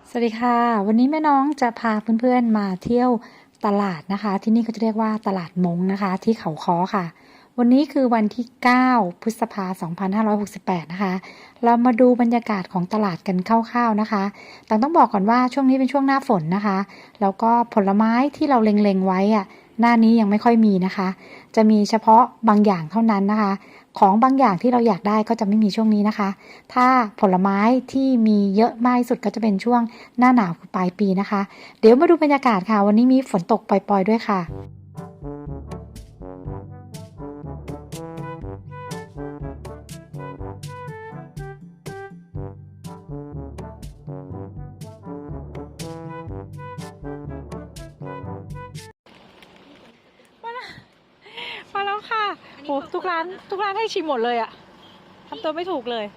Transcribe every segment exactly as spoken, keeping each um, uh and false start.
สวัสดีค่ะวันนี้แม่น้องจะพาเพื่อนๆมาเที่ยวตลาดนะคะที่นี่เขาจะเรียกว่าตลาดมงนะคะที่เขาค้อค่ะวันนี้คือวันที่เก้าพฤษภาคมสองพันห้าร้อยหกสิบแปดนะคะเรามาดูบรรยากาศของตลาดกันคร่าวๆนะคะแต่ต้องบอกก่อนว่าช่วงนี้เป็นช่วงหน้าฝนนะคะแล้วก็ผลไม้ที่เราเล็งๆไว้อะหน้านี้ยังไม่ค่อยมีนะคะจะมีเฉพาะบางอย่างเท่านั้นนะคะของบางอย่างที่เราอยากได้ก็จะไม่มีช่วงนี้นะคะถ้าผลไม้ที่มีเยอะมากที่สุดก็จะเป็นช่วงหน้าหนาวคือปลายปีนะคะเดี๋ยวมาดูบรรยากาศค่ะวันนี้มีฝนตกปล่อยๆด้วยค่ะมาแล้วค่ะโหทุกร้านทุกร้านให้ชิมหมดเลยอะทำตัวไม่ถูกเลย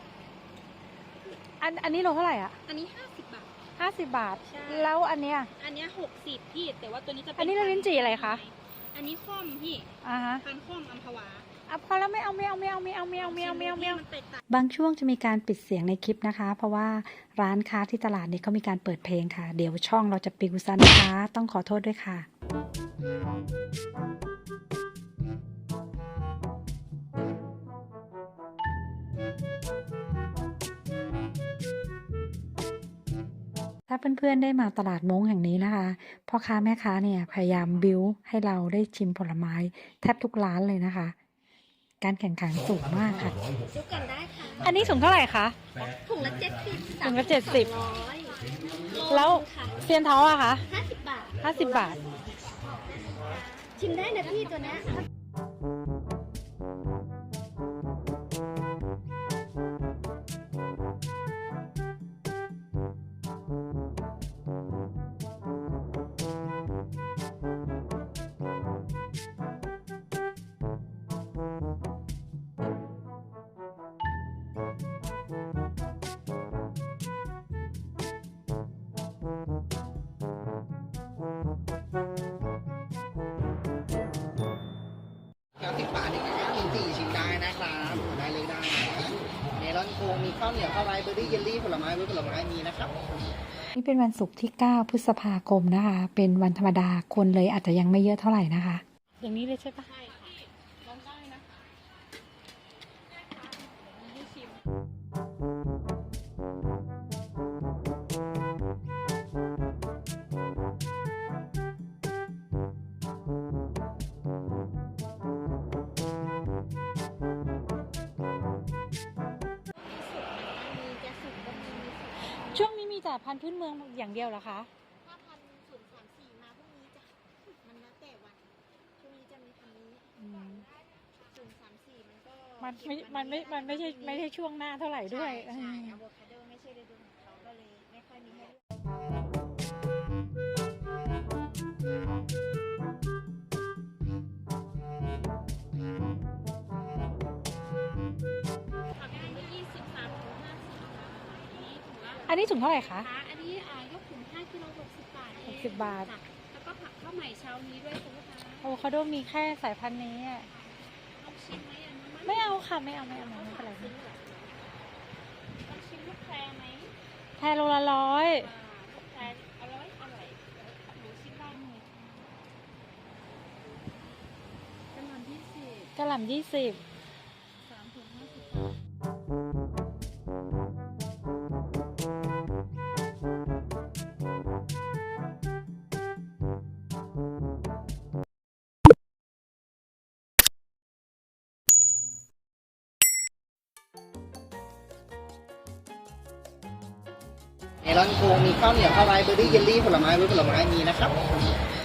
อันอันนี้โลเท่าไหร่อ่ะอันนี้ห้าสิบบาทห้าสิบบาทใช่แล้วอันเนี้ยอันเนี้ยหกสิบพี่แต่ว่าตัวนี้จะเป็นอันนี้เราลิ้นจี่อะไรคะอันนี้ข้อมพี่อ่าฮะพันข้อมอัมพวาอ่ะพอแล้วไม่เอาไม่เอาไม่เอาไม่เอาไม่เอาไม่เอาไม่เอาไม่เอามันแตกต่างบางช่วงจะมีการปิดเสียงในคลิปนะคะเพราะว่าร้านค้าที่ตลาดนี้เขามีการเปิดเพลงค่ะเดี๋ยวช่องเราจะปิวซะนะคะต้องขอโทษด้วยค่ะถ้าเพื่อนๆได้มาตลาดม้งแห่งนี้นะคะพ่อค้าแม่ค้าเนี่ยพยายามบิ้วให้เราได้ชิมผลไม้แทบทุกร้านเลยนะคะการแข่งขันสูงมากค่ะซื้อกันได้ค่ะอันนี้ถุงเท่าไหร่คะถุงละเจ็ดสิบถุงละเจ็ดสิบแล้วเซียนเท้าอะคะห้าสิบบาทห้าสิบบาทชิมได้นะพี่ตัวเนี้ยครับสิบบาทนี่ครับลิ้นจี่ชิมได้นะครับได้เลยได้เมลอนโคมีข้าวเหนียวข้าวไรเบอร์รี่เยลลี่ผลไม้ไว้ผลไม้มีนะครับนี่เป็นวันศุกร์ที่เก้าพฤษภาคมนะคะเป็นวันธรรมดาคนเลยอาจจะยังไม่เยอะเท่าไหร่นะคะอย่างนี้เลยใช่ปะใช่ค่ะลองได้นะให้ชิมช่วงนี้มีแต่พันธุ์พื้นเมืองอย่างเดียวเหรอคะถ้าพันศูนย์สามสี่มาพรุ่งนี้จ้ะมันแล้วแต่วันช่วงนี้จะมีพันนี้ศูนย์สามสี่มันก็มันไม่มันไม่มันไม่ใช่ไม่ใช่ช่วงหน้าเท่าไหร่ด้วยใช่อะโวคาโดไม่ใช่ฤดูของเขาก็เลยไม่ค่อยมีให้อันนี้ถุงเท่าไหร่คะอันนี้อ่ายกถุงห้ากิโลหกสิบบาทหกสิบบาทแล้วก็ผักข้าวใหม่เช้านี้ด้วยคุณลูกค้าโอ้เขาโดมีแค่สายพันธุ์นี้ลองชิมไหมอันนี้ไม่เอาค่ะไม่เอาไม่เอาไม่เป็นไรลองชิมลูกแพรไหมแพรโลละร้อยลูกแพรอร่อยอร่อยหนูชิมได้ไหมกระหล่ำยี่สิบกระหล่ำยี่สิบสามถุงห้าสิบเมลอนโคมีข้าวเหนียวข้าวไรเบอร์รี่เยลลี่ผลไม้ไว้ผลไม้มีนะครับ